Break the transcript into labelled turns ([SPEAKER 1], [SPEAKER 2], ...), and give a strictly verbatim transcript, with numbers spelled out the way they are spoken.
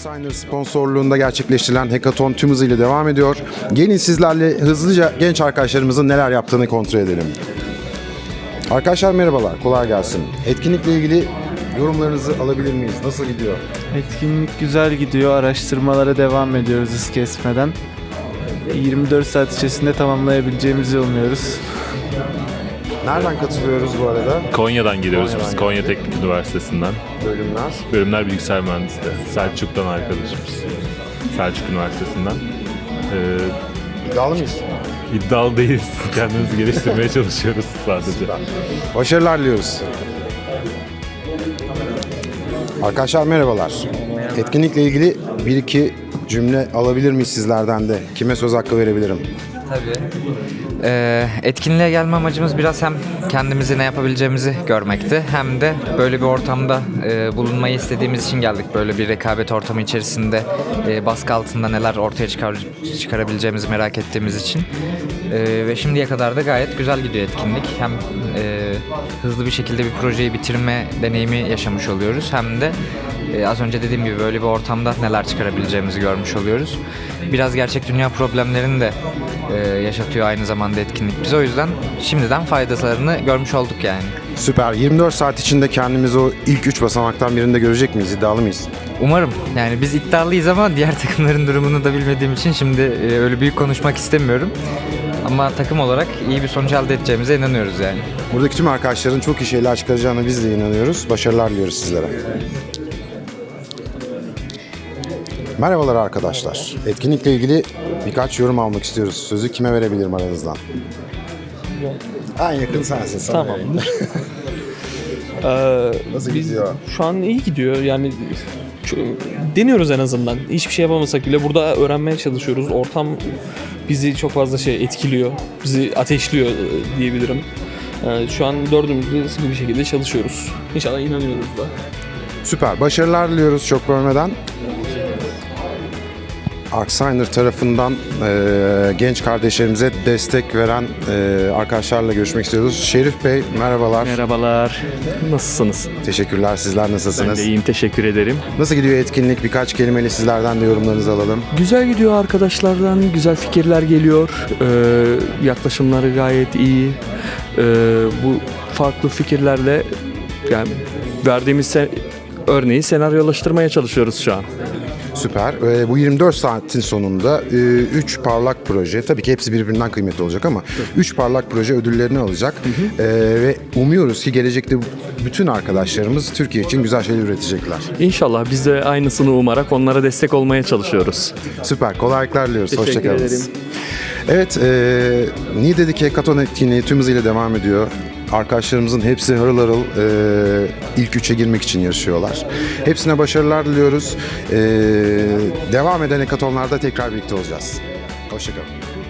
[SPEAKER 1] Artsigner sponsorluğunda gerçekleştirilen hackathon tüm hızıyla devam ediyor. Gelin sizlerle hızlıca genç arkadaşlarımızın neler yaptığını kontrol edelim. Arkadaşlar merhabalar, kolay gelsin. Etkinlikle ilgili yorumlarınızı alabilir miyiz? Nasıl gidiyor?
[SPEAKER 2] Etkinlik güzel gidiyor. Araştırmalara devam ediyoruz hız kesmeden. yirmi dört saat içerisinde tamamlayabileceğimizi umuyoruz.
[SPEAKER 1] Nereden katılıyoruz bu arada?
[SPEAKER 3] Konya'dan geliyoruz
[SPEAKER 1] Konya'dan
[SPEAKER 3] biz, Konya Teknik Üniversitesi'nden.
[SPEAKER 1] Bölümler.
[SPEAKER 3] Bölümler bilgisayar mühendisliği. Selçuk'tan arkadaşımız. Selçuk Üniversitesi'nden. Ee,
[SPEAKER 1] İddialı mıyız?
[SPEAKER 3] iddialı değiliz. Kendimizi geliştirmeye çalışıyoruz sadece.
[SPEAKER 1] Başarılar diliyoruz. Arkadaşlar merhabalar. Etkinlikle ilgili bir iki cümle alabilir miyiz sizlerden de? Kime söz hakkı verebilirim?
[SPEAKER 4] Tabii. Ee, etkinliğe gelme amacımız biraz hem kendimizi ne yapabileceğimizi görmekti, hem de böyle bir ortamda e, bulunmayı istediğimiz için geldik. Böyle bir rekabet ortamı içerisinde e, baskı altında neler ortaya çıkar, çıkarabileceğimizi merak ettiğimiz için. E, ve şimdiye kadar da gayet güzel gidiyor etkinlik. Hem e, hızlı bir şekilde bir projeyi bitirme deneyimi yaşamış oluyoruz, hem de e, az önce dediğim gibi böyle bir ortamda neler çıkarabileceğimizi görmüş oluyoruz. Biraz gerçek dünya problemlerini de e, yaşatıyor aynı zamanda etkinlik bize. O yüzden şimdiden faydalarını görmüş olduk yani.
[SPEAKER 1] Süper. yirmi dört saat içinde kendimizi o ilk üç basamaktan birinde görecek miyiz? İddialı mıyız?
[SPEAKER 4] Umarım. Yani biz iddialıyız ama diğer takımların durumunu da bilmediğim için şimdi e, öyle büyük konuşmak istemiyorum. Ama takım olarak iyi bir sonuç elde edeceğimize inanıyoruz yani.
[SPEAKER 1] Buradaki tüm arkadaşların çok iyi şeyler çıkaracağına biz de inanıyoruz. Başarılar diliyoruz sizlere. Merhabalar arkadaşlar. Etkinlikle ilgili birkaç yorum almak istiyoruz. Sözü kime verebilirim aranızdan? En yakın sensin. Sana
[SPEAKER 5] Tamamdır. Ee,
[SPEAKER 1] Nasıl
[SPEAKER 5] biz
[SPEAKER 1] gidiyor?
[SPEAKER 5] Şu an iyi gidiyor. Yani şu- deniyoruz en azından. Hiçbir şey yapamasak bile burada öğrenmeye çalışıyoruz. Ortam bizi çok fazla şey etkiliyor. Bizi ateşliyor e, diyebilirim. Ee, şu an dördümüz de sıkı bir şekilde çalışıyoruz. İnşallah inanıyoruz da.
[SPEAKER 1] Süper. Başarılar diliyoruz çok bölmeden. Artsigner tarafından e, genç kardeşlerimize destek veren e, arkadaşlarla görüşmek istiyoruz. Şerif Bey merhabalar.
[SPEAKER 6] Merhabalar. Nasılsınız?
[SPEAKER 1] Teşekkürler. Sizler
[SPEAKER 6] Ben
[SPEAKER 1] nasılsınız?
[SPEAKER 6] de iyiyim, teşekkür ederim.
[SPEAKER 1] Nasıl gidiyor etkinlik? Birkaç kelimeyle sizlerden de yorumlarınızı alalım.
[SPEAKER 6] Güzel gidiyor arkadaşlardan, güzel fikirler geliyor. Ee, yaklaşımları gayet iyi. Ee, bu farklı fikirlerle yani verdiğimiz se- örneği senaryolaştırmaya çalışıyoruz şu an.
[SPEAKER 1] Süper. Ee, bu yirmi dört saatin sonunda üç parlak proje, tabii ki hepsi birbirinden kıymetli olacak ama üç parlak proje ödüllerini alacak. Ee, ve umuyoruz ki gelecekte bütün arkadaşlarımız Türkiye için güzel şeyler üretecekler.
[SPEAKER 6] İnşallah biz de aynısını umarak onlara destek olmaya çalışıyoruz.
[SPEAKER 1] Süper. Kolaylıklar diliyoruz.
[SPEAKER 6] Teşekkür
[SPEAKER 1] Hoşçakalın.
[SPEAKER 6] ederim.
[SPEAKER 1] Evet, e, Niğde'deki hackathon etkinliği tüm hızıyla devam ediyor. Arkadaşlarımızın hepsi harıl harıl e, ilk üçe girmek için yarışıyorlar. Hepsine başarılar diliyoruz. E, devam eden hackathonlarda tekrar birlikte olacağız. Hoşçakalın.